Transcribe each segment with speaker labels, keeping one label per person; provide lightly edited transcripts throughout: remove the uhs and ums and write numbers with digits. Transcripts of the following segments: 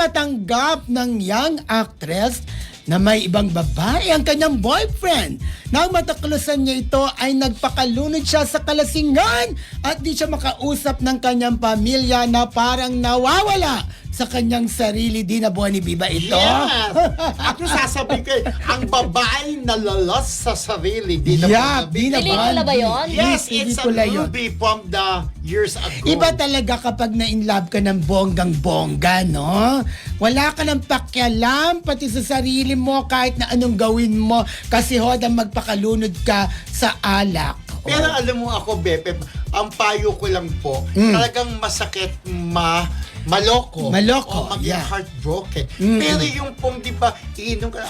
Speaker 1: matanggap ng young actress na may ibang babae ang kanyang boyfriend. Nang mataklasan niya ito ay nagpakalunod siya sa kalasingan at di siya makausap ng kanyang pamilya na parang nawawala sa kanyang sarili. Di na buwan ni Biba ito.
Speaker 2: Yes! Ako sasabihin ko, ang babae nalalas sa sarili. Di na
Speaker 1: Yeah,
Speaker 2: po
Speaker 1: di na
Speaker 3: Pelikula ba yun?
Speaker 2: Yes, it's a
Speaker 1: Pelikula yun.
Speaker 2: movie from the years ago.
Speaker 1: Iba talaga kapag na-inlove ka ng bonggang-bongga, no? Wala ka ng pakialam pati sa sarili mo kahit na anong gawin mo kasi hodang magpakalunod ka sa alak.
Speaker 2: Pero alam mo ako, Bepe, ang payo ko lang po, talagang masakit maloko.
Speaker 1: Maloko,
Speaker 2: O maging
Speaker 1: yeah.
Speaker 2: heartbroken. Pero yung pong, di ba, iinom ka,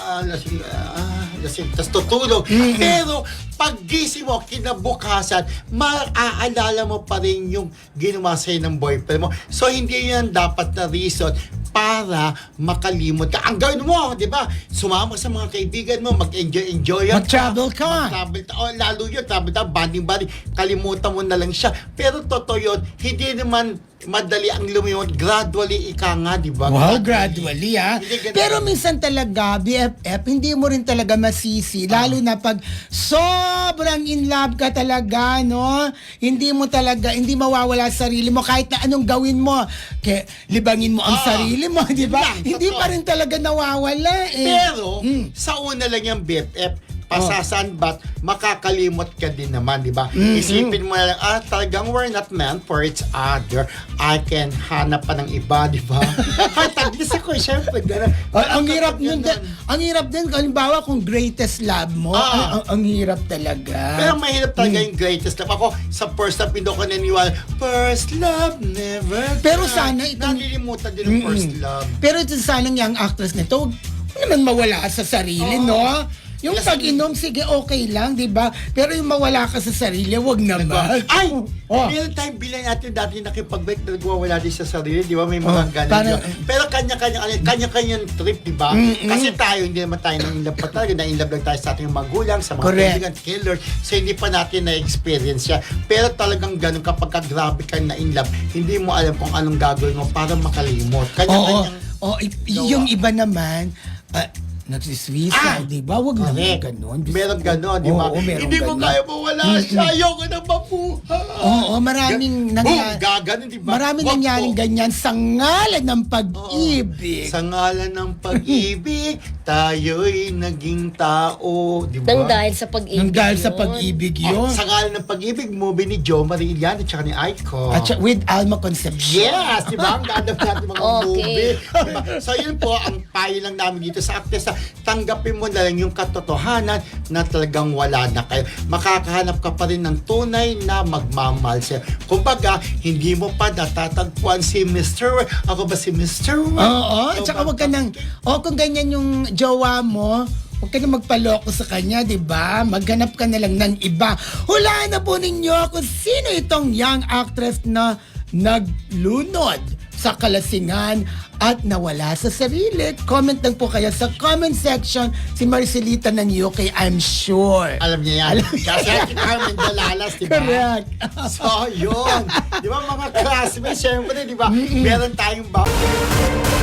Speaker 2: lasing, tas tutulog. Pero, pag gising mo, kinabukasan, maaalala mo pa rin yung ginawa sa'yo ng boyfriend mo. So, hindi yan dapat na reason para makalimot ka. Ang gawin mo, di ba? Sumama sa mga kaibigan mo, mag-enjoy
Speaker 1: Mag-travel ka.
Speaker 2: Mag-travel ka. O, lalo yun, travel ka, banding-banding. Kalimutan mo na lang siya. Pero totoo yun, hindi naman madali ang lumiwat. Gradually, ika nga, di ba?
Speaker 1: Wow, gradually
Speaker 2: Hindi ganun.
Speaker 1: Pero minsan talaga, BFF, hindi mo rin talaga masisi. Lalo na pag sobrang in love ka talaga, no? Hindi mo talaga, hindi mawawala sa sarili mo kahit na anong gawin mo. Kaya libangin mo ang sarili mo, di ba?
Speaker 2: Yun lang,
Speaker 1: Hindi
Speaker 2: totoo.
Speaker 1: pa rin talaga nawawala eh.
Speaker 2: Pero, sa una lang yung BFF, pasasanbat, makakalimot ka din naman, di ba? Isipin mo na lang, talagang we're not meant for each other. I can hanap pa ng iba, di ba? Ay, taglis ako, syempre, gano'n.
Speaker 1: Ang hirap nun, ang hirap din, halimbawa kung greatest love mo, ang hirap talaga.
Speaker 2: Pero mahirap talaga yung greatest love. Ako, sa first love, hindi ako naniniwala, first love, never
Speaker 1: Pero
Speaker 2: die.
Speaker 1: sana itong-
Speaker 2: Nalilimutan din ang first love.
Speaker 1: Pero ito sanang yung actress nito, huwag naman mawala sa sarili, no? Yung pag-inom, sige, okay lang, di ba? Pero yung mawala ka sa sarili, wag naman.
Speaker 2: Ay!
Speaker 1: Oh.
Speaker 2: Meron tayong bilang natin dati nakipag-break na nagwawala din sa sarili, di ba? May mga ganun.
Speaker 1: parang-
Speaker 2: Pero kanya-kanyang trip, di ba? Kasi tayo, hindi naman tayo na-inlove pa talaga. Na-inlove lang tayo sa ating magulang, sa mga
Speaker 1: Correct.
Speaker 2: kaibigan, killer. So, hindi pa natin na-experience siya. Pero talagang ganun, kapag grabe ka na-inlove, hindi mo alam kung anong gagawin mo para makalimot.
Speaker 1: Oo.
Speaker 2: Kanya-kanyang...
Speaker 1: Yung iba naman, nagsiswisa, di ba? Wag naman
Speaker 2: Correct.
Speaker 1: ganun.
Speaker 2: Meron ganon, di ba?
Speaker 1: Oo, meron
Speaker 2: Hindi mo
Speaker 1: ganon.
Speaker 2: kaya mawala siya. Ayoko na mabuhay.
Speaker 1: Oo, maraming nangyari.
Speaker 2: Gaganon, di ba?
Speaker 1: Maraming
Speaker 2: Wag
Speaker 1: nangyaring
Speaker 2: po.
Speaker 1: ganyan sa ngalan ng pag-ibig.
Speaker 2: Sa ngalan ng pag-ibig, tayo'y naging tao. Di ba?
Speaker 3: Nang dahil sa pag-ibig
Speaker 1: Nang dahil sa
Speaker 3: yun.
Speaker 1: pag-ibig
Speaker 2: Oh,
Speaker 1: yun.
Speaker 2: sa ngalan ng pag-ibig, movie ni Jo Marie Iliana at saka ni Aiko.
Speaker 1: At with Alma Concepcion.
Speaker 2: Yes, di ba? Ang ganda natin mga
Speaker 3: Okay.
Speaker 2: movie. Diba? So yun po, ang payo lang namin dito sa actress, tanggapin mo na lang yung katotohanan na talagang wala na kayo. Makakahanap ka pa rin ng tunay na magmamahal sa'yo. Kumbaga, hindi mo pa natatagpuan si Mr. Ako ba si Mr.
Speaker 1: Oo, at saka wag ka nang, kung ganyan yung jowa mo, huwag ka na magpaloko sa kanya, di ba? Maghanap ka na lang ng iba. Hulaan na po ninyo kung sino itong young actress na naglunod sa kalasingan at nawala sa sarili. Comment lang po kayo sa comment section si Marcelita ng UK, I'm sure.
Speaker 2: Alam niya yan.
Speaker 1: Alam niya
Speaker 2: Kasi
Speaker 1: yan.
Speaker 2: kita Carmen Dalalas, di ba?
Speaker 1: Correct.
Speaker 2: So, yun. Di ba mga classmates, syempre, di ba? Meron tayong